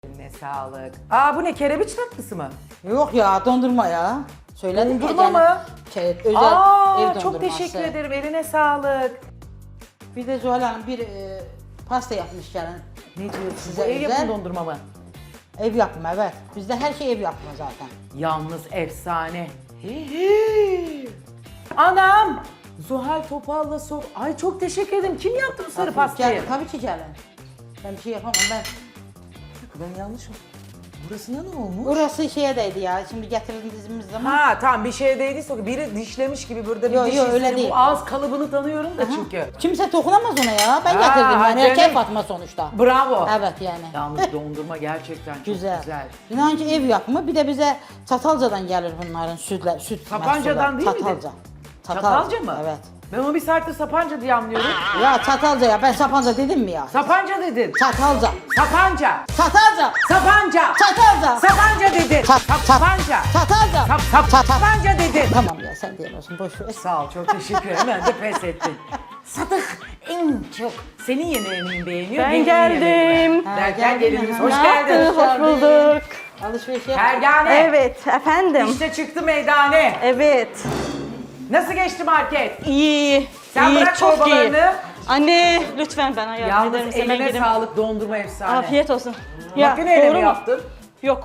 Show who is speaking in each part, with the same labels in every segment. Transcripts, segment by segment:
Speaker 1: Eline sağlık. Aa bu ne, kerebiç tatlısı mı?
Speaker 2: Yok ya, dondurma ya. Söyledim
Speaker 1: Dondurma
Speaker 2: ya,
Speaker 1: mı?
Speaker 2: Özel
Speaker 1: Aa,
Speaker 2: ev dondurması.
Speaker 1: çok teşekkür ederim, eline sağlık.
Speaker 2: Bir de Zuhal Hanım bir pasta yapmış yani.
Speaker 1: Ne diyorsun?
Speaker 2: Size
Speaker 1: Bu ev
Speaker 2: özel.
Speaker 1: yapımı dondurma mı?
Speaker 2: Ev yapımı, evet. Bizde her şey ev yapımı zaten.
Speaker 1: Yalnız efsane. Anam! Zuhal Topal'la sok. Ay çok teşekkür ederim. Kim yaptı bu sarı pastayı?
Speaker 2: Gel, tabii ki gelin. Ben bir şey yapamam ben.
Speaker 1: Ben yanlış mı? Burasına ne olmuş?
Speaker 2: Burası şeye değdi ya. Şimdi getirdiğimiz zaman.
Speaker 1: Ha tamam, bir şey değdiyse biri dişlemiş gibi burada bir
Speaker 2: Yo,
Speaker 1: diş
Speaker 2: yo,
Speaker 1: izleri.
Speaker 2: öyle değil.
Speaker 1: Bu ağız kalıbını tanıyorum da çünkü.
Speaker 2: Kimse dokunamaz ona ya. Ben
Speaker 1: Ha,
Speaker 2: getirdim yani. Erkek
Speaker 1: canım.
Speaker 2: Fatma sonuçta.
Speaker 1: Bravo.
Speaker 2: Evet yani.
Speaker 1: Yalnız dondurma gerçekten çok güzel.
Speaker 2: İnan ki ev yapımı. Bir de bize Çatalca'dan gelir bunların süt
Speaker 1: Sapanca'dan
Speaker 2: mahsulleri.
Speaker 1: değil miydi?
Speaker 2: Çatalca.
Speaker 1: Çatalca mı?
Speaker 2: Evet.
Speaker 1: Ben onu bir saattir Sapanca diye anlıyorum.
Speaker 2: Ya Çatalca ya. Ben Sapanca dedim mi ya?
Speaker 1: Sapanca dedin.
Speaker 2: Çatalca.
Speaker 1: Sapanca.
Speaker 2: Çatalca.
Speaker 1: Sapanca.
Speaker 2: Çatalca.
Speaker 1: Sapanca dedin. Sapanca.
Speaker 2: Çatalca.
Speaker 1: Sapanca dedin.
Speaker 2: Tamam ya, sen diyemezsin, boş ver.
Speaker 1: Sağ ol, çok teşekkür ederim. Ben de pes ettim. Sadık en çok senin yemeğini beğeniyor.
Speaker 3: Ben
Speaker 1: benim
Speaker 3: geldim.
Speaker 1: yemeğimi.
Speaker 2: Ha,
Speaker 1: Derken
Speaker 2: geldin
Speaker 1: geliniz.
Speaker 2: mi?
Speaker 1: Hoş
Speaker 3: Ne
Speaker 1: geldin.
Speaker 3: yaptınız? Hoş bulduk.
Speaker 2: Alışveriş yap.
Speaker 1: Pergane.
Speaker 3: Evet efendim.
Speaker 1: İşte çıktı meydane.
Speaker 3: Evet.
Speaker 1: Nasıl geçti market?
Speaker 3: İyi.
Speaker 1: Sen
Speaker 3: iyi,
Speaker 1: bırak
Speaker 3: çok iyi.
Speaker 1: çorbalarını.
Speaker 3: Anne lütfen bana yardım eder
Speaker 1: Yalnız
Speaker 3: misin? Ben
Speaker 1: eline
Speaker 3: gideyim.
Speaker 1: sağlık, dondurma efsane.
Speaker 3: Afiyet olsun.
Speaker 1: Makineyle
Speaker 3: doğru
Speaker 1: mi
Speaker 3: mu?
Speaker 1: yaptın?
Speaker 3: Yok.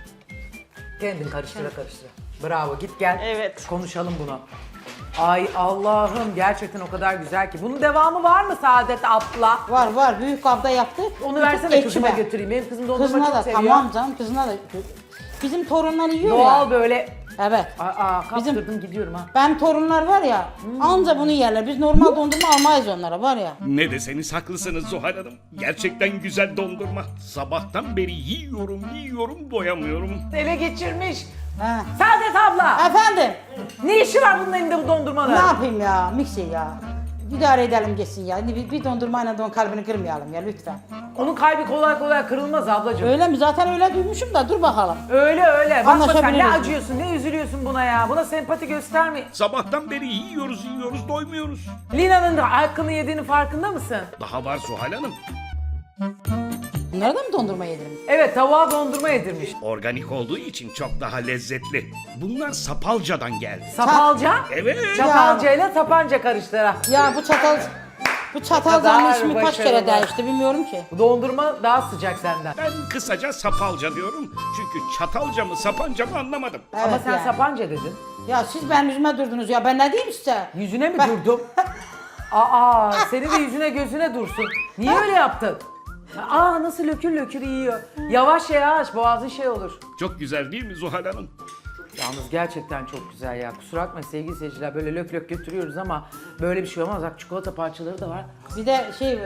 Speaker 1: Kendin karıştıra karıştıra. Bravo, git gel.
Speaker 3: Evet.
Speaker 1: Konuşalım bunu. Ay Allah'ım, gerçekten o kadar güzel ki. Bunun devamı var mı Saadet abla?
Speaker 2: Var, büyük kabda yaptık.
Speaker 1: Onu
Speaker 2: Bütün
Speaker 1: versene
Speaker 2: ekşi
Speaker 1: kızıma
Speaker 2: ben.
Speaker 1: götüreyim. Benim kızım dondurma
Speaker 2: Kızına
Speaker 1: çok
Speaker 2: da
Speaker 1: seviyor.
Speaker 2: tamam canım, kızına da. Bizim torunlar yiyor
Speaker 1: Doğal
Speaker 2: ya.
Speaker 1: böyle.
Speaker 2: Evet.
Speaker 1: Kaptırdım gidiyorum ha.
Speaker 2: Benim torunlar var ya, anca bunu yerler. Biz normal dondurma almayız onlara, var ya.
Speaker 4: Ne deseniz haklısınız Zuhal Hanım. Gerçekten güzel dondurma. Sabahtan beri yiyorum doyamıyorum.
Speaker 1: Ele geçirmiş.
Speaker 2: Ha.
Speaker 1: Saadet abla.
Speaker 2: Efendim,
Speaker 1: Ne işi var bunun elinde bu dondurmanın?
Speaker 2: ne yapayım ya, mikser ya. İdare edelim geçsin ya. Bir dondurmayla don kalbini kırmayalım ya lütfen.
Speaker 1: Onun kalbi kolay kolay kırılmaz ablacığım.
Speaker 2: Öyle mi? Zaten öyle duymuşum da, dur bakalım.
Speaker 1: Öyle öyle. Bakma sen, ne
Speaker 2: Anlaşabiliriz.
Speaker 1: acıyorsun, ne üzülüyorsun buna ya. Buna sempati gösterme.
Speaker 4: Sabahtan beri yiyoruz doymuyoruz.
Speaker 1: Lina'nın da hakkını yediğinin farkında mısın?
Speaker 4: Daha var Zuhal Hanım.
Speaker 2: Bunlara da mı dondurma yedirin?
Speaker 1: Evet, tavuğa dondurma yedirmiş.
Speaker 4: Organik olduğu için çok daha lezzetli. Bunlar Sapalca'dan geldi.
Speaker 1: Sapalca,
Speaker 4: Evet.
Speaker 1: çatalcayla tapanca karıştıra.
Speaker 2: Ya bu çatalcanın
Speaker 1: kadar
Speaker 2: ismi kaç kere
Speaker 1: başarılı.
Speaker 2: değişti bilmiyorum ki.
Speaker 1: Bu dondurma daha sıcak senden.
Speaker 4: Ben kısaca Sapalca diyorum. Çünkü Çatalca mı Sapanca mı anlamadım.
Speaker 1: Ama
Speaker 2: Evet
Speaker 1: sen
Speaker 2: yani.
Speaker 1: sapanca dedin.
Speaker 2: Ya siz benim yüzüme durdunuz ya, ben ne diyeyim size?
Speaker 1: Yüzüne mi
Speaker 2: Ben-
Speaker 1: durdum? Aa, seni de yüzüne gözüne dursun. Niye öyle yaptın? Aa, nasıl lökür lökür yiyor. Yavaş yavaş, boğazın şey olur.
Speaker 4: Çok güzel değil mi Zuhal Hanım?
Speaker 1: Yalnız gerçekten çok güzel ya. Kusura bakmayın sevgili seyirciler, böyle lök lök götürüyoruz ama böyle bir şey olmaz. Bak, çikolata parçaları da var.
Speaker 2: Bir de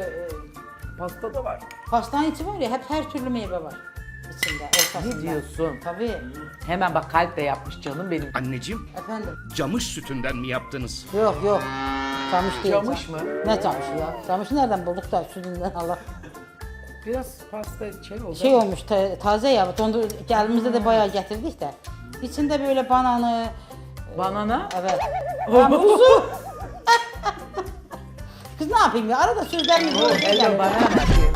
Speaker 1: Pasta da var.
Speaker 2: pastanın içi var ya, hep her türlü meyve var içinde, ortasında.
Speaker 1: Ne diyorsun?
Speaker 2: Tabii.
Speaker 1: Hemen bak, kalp de yapmış canım benim.
Speaker 4: Anneciğim,
Speaker 2: Efendim?
Speaker 4: camış sütünden mi yaptınız?
Speaker 2: Yok. Camış değil.
Speaker 1: Camış mı?
Speaker 2: Ne camışı ya? Camışı nereden bulduk da sütünden Allah.
Speaker 1: Biraz pasta şey oldu.
Speaker 2: Şey olmuş, taze ya, geldiğimizde de bayağı getirdik de. İçinde böyle bananı,
Speaker 1: Banana.
Speaker 2: evet. Muzu. Kız ne yapayım ya? Arada sözlerimi böyle
Speaker 1: Hello
Speaker 2: geliyor.
Speaker 1: banana.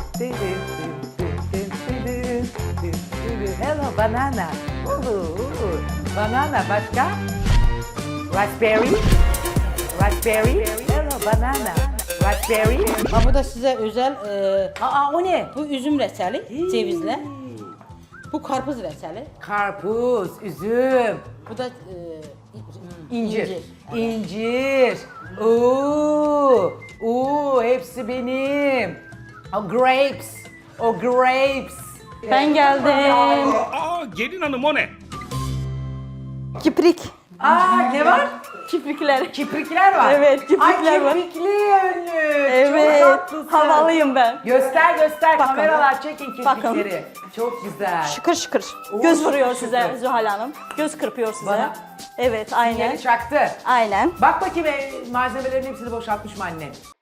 Speaker 1: Hello banana. Banana başka? Raspberry. Raspberry. Hello banana. Raspberry.
Speaker 2: Ha, bu da size özel,
Speaker 1: Aa, o ne?
Speaker 2: bu üzüm reçeli, cevizle. Bu karpuz reçeli.
Speaker 1: Karpuz, üzüm,
Speaker 2: Bu da
Speaker 1: incir. İncir. Oo, hepsi benim. O grapes. O grapes.
Speaker 3: Ben geldim.
Speaker 4: Aa gelin hanım o ne?
Speaker 3: Kiprik.
Speaker 1: Aa, ne var?
Speaker 3: Kiprikler.
Speaker 1: Kiprikler var.
Speaker 3: Evet, kiprikler
Speaker 1: Ay,
Speaker 3: var.
Speaker 1: kiprikli önlük.
Speaker 3: Evet.
Speaker 1: Çok tatlısın.
Speaker 3: Havalıyım ben.
Speaker 1: Göster.
Speaker 3: Bakın.
Speaker 1: Kameralar çekin
Speaker 3: Bakın.
Speaker 1: kirpikleri. Çok güzel.
Speaker 3: Şıkır şıkır.
Speaker 1: Oo,
Speaker 3: Göz vuruyor
Speaker 1: şıkır
Speaker 3: size
Speaker 1: şıkır.
Speaker 3: Zuhal Hanım. Göz kırpıyor size.
Speaker 1: Bana?
Speaker 3: Evet aynen.
Speaker 1: Yeni çaktı.
Speaker 3: Aynen.
Speaker 1: Bak bakayım, malzemelerin hepsini boşaltmış mı annen?